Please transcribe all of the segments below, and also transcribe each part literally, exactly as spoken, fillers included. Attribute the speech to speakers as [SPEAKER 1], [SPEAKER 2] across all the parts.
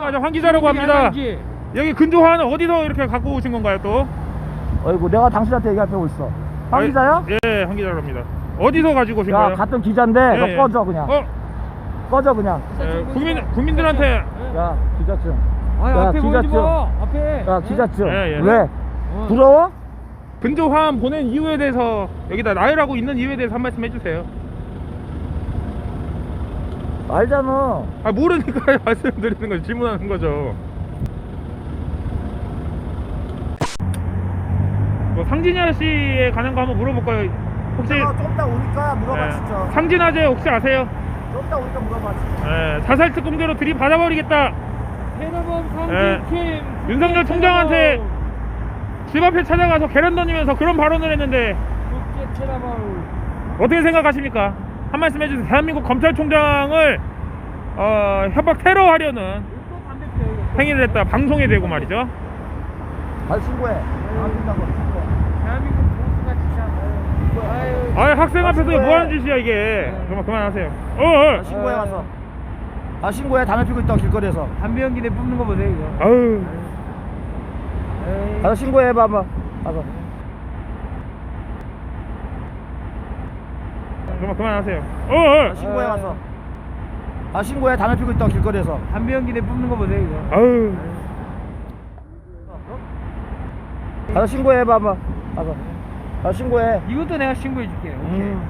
[SPEAKER 1] 안녕하세요. 황 기자라고 합니다. 여기 근조한 어디서 이렇게 갖고 오신 건가요 또?
[SPEAKER 2] 어이구 내가 당신한테 얘기하고 있어. 황
[SPEAKER 1] 아이,
[SPEAKER 2] 기자야?
[SPEAKER 1] 예, 황 기자랍니다. 어디서 가지고 오신
[SPEAKER 2] 야
[SPEAKER 1] 거예요?
[SPEAKER 2] 같은 기자인데
[SPEAKER 1] 예,
[SPEAKER 2] 너
[SPEAKER 1] 예.
[SPEAKER 2] 꺼져 그냥.
[SPEAKER 1] 어?
[SPEAKER 2] 꺼져 그냥.
[SPEAKER 1] 예, 국민 국민들한테
[SPEAKER 2] 야 기자증.
[SPEAKER 3] 아
[SPEAKER 2] 야,
[SPEAKER 3] 앞에 보이지
[SPEAKER 2] 기자증.
[SPEAKER 3] 마. 앞에.
[SPEAKER 2] 야 기자증.
[SPEAKER 1] 예, 예.
[SPEAKER 2] 왜?
[SPEAKER 3] 어.
[SPEAKER 2] 부러워?
[SPEAKER 1] 근조화함 보낸 이유에 대해서 여기다 나열하고 있는 이유에 대해서 한 말씀 해주세요.
[SPEAKER 2] 알잖아.
[SPEAKER 1] 아 모르니까 말씀드리는 거죠. 질문하는 거죠. 뭐 상진아 씨에 관한 거 한번 물어볼까요? 혹시
[SPEAKER 2] 좀 이따 오니까 물어봐
[SPEAKER 1] 예,
[SPEAKER 2] 진짜.
[SPEAKER 1] 상진아재 혹시 아세요?
[SPEAKER 2] 좀 이따 오니까 물어봐 진짜.
[SPEAKER 1] 예, 자살 특공대로 들이받아버리겠다.
[SPEAKER 3] 테러범
[SPEAKER 1] 예,
[SPEAKER 3] 상징팀.
[SPEAKER 1] 윤석열 총장한테 집 앞에 찾아가서 계란 던지면서 그런 발언을 했는데
[SPEAKER 3] 국제 테러범.
[SPEAKER 1] 어떻게 생각하십니까? 한 말씀 해주세요. 대한민국 검찰총장을 어, 협박 테러하려는 행위를 했다. 방송에 대고 말이죠.
[SPEAKER 2] 갈 신고해. 안 된다고 신고해.
[SPEAKER 3] 대한민국 보수가 진짜. 아유.
[SPEAKER 1] 아 학생 앞에서
[SPEAKER 2] 신고해.
[SPEAKER 1] 뭐 하는 짓이야 이게. 그만 그만하세요. 어, 어.
[SPEAKER 2] 가 신고해 가서. 가 신고해. 담배 피고 있다고 길거리에서.
[SPEAKER 3] 담배 연기 내 뿜는 거 보세요 이거.
[SPEAKER 1] 아유.
[SPEAKER 3] 에이.
[SPEAKER 2] 가서 신고해 봐 한번. 가서.
[SPEAKER 1] 그만 그만하세요. 어, 어.
[SPEAKER 2] 가 신고해 가서. 가 신고해. 담배 피고 있다고 길거리에서.
[SPEAKER 3] 담배 연기 내 뿜는 거 보세요 이거.
[SPEAKER 1] 아유.
[SPEAKER 2] 가서 신고해 봐 한번. 가서. 가서 신고해.
[SPEAKER 3] 이것도 내가 신고해 줄게. 오케이.
[SPEAKER 2] 음.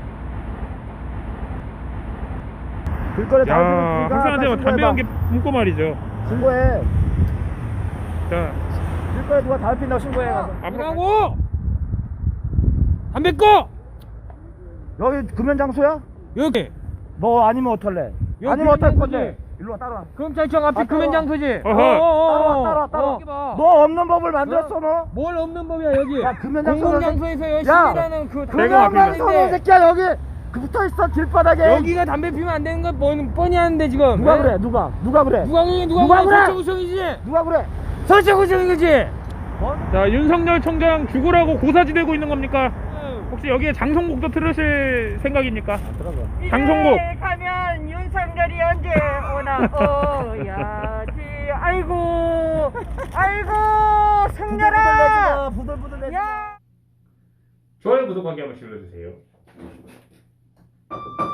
[SPEAKER 2] 길거리에 담배 피고
[SPEAKER 1] 야
[SPEAKER 2] 있으니까
[SPEAKER 1] 학생한테
[SPEAKER 2] 가
[SPEAKER 1] 담배
[SPEAKER 2] 신고해봐.
[SPEAKER 1] 연기 뿜고 말이죠.
[SPEAKER 2] 신고해.
[SPEAKER 1] 자
[SPEAKER 2] 길거리에 누가 담배 핀다고 신고해 가서.
[SPEAKER 1] 앞으로
[SPEAKER 3] 뭐라고? 담배 꺼.
[SPEAKER 2] 여기 금연 장소야?
[SPEAKER 3] 여기.
[SPEAKER 2] 뭐 아니면 어떨래?
[SPEAKER 3] 여기
[SPEAKER 2] 아니면 어떨
[SPEAKER 3] 금연
[SPEAKER 2] 건데?
[SPEAKER 3] 장소지.
[SPEAKER 2] 일로 와 따라와.
[SPEAKER 3] 검찰청 앞에
[SPEAKER 2] 아,
[SPEAKER 3] 금연
[SPEAKER 2] 따라와.
[SPEAKER 3] 장소지.
[SPEAKER 1] 어허.
[SPEAKER 2] 따라와 따라와 따라와.
[SPEAKER 3] 여기 봐.
[SPEAKER 2] 너 없는 법을 만들었어 너.
[SPEAKER 3] 뭘 없는 법이야 여기.
[SPEAKER 2] 야, 금연 장소는
[SPEAKER 3] 공공장소에서 열심히
[SPEAKER 2] 야,
[SPEAKER 3] 일하는 그
[SPEAKER 1] 내가
[SPEAKER 2] 금연
[SPEAKER 1] 앞에
[SPEAKER 2] 장소는 새끼야 여기 그 붙어 있어 길바닥에.
[SPEAKER 3] 여기가 담배 피우면 안 되는 건 뻔히, 뻔히 하는데 지금.
[SPEAKER 2] 누가
[SPEAKER 3] 예?
[SPEAKER 2] 그래? 누가? 누가 그래?
[SPEAKER 3] 누가 그래? 누가,
[SPEAKER 2] 누가
[SPEAKER 3] 그래?
[SPEAKER 2] 그래?
[SPEAKER 3] 설정구청이지.
[SPEAKER 2] 누가 그래?
[SPEAKER 3] 설정구청이지.
[SPEAKER 2] 뭐?
[SPEAKER 1] 자 윤석열 총장 죽으라고 고사지되고 있는 겁니까? 혹시 여기에 장송곡도 틀으실 생각입니까?
[SPEAKER 2] 들어가.
[SPEAKER 1] 장송곡.
[SPEAKER 4] 이제 가면 윤석열이 언제 오나 어야지. 아이고 아이고 승렬아.
[SPEAKER 2] 부들부들 내지 마.
[SPEAKER 4] 야.
[SPEAKER 1] 좋아요 구독하기 한 번씩 눌러주세요.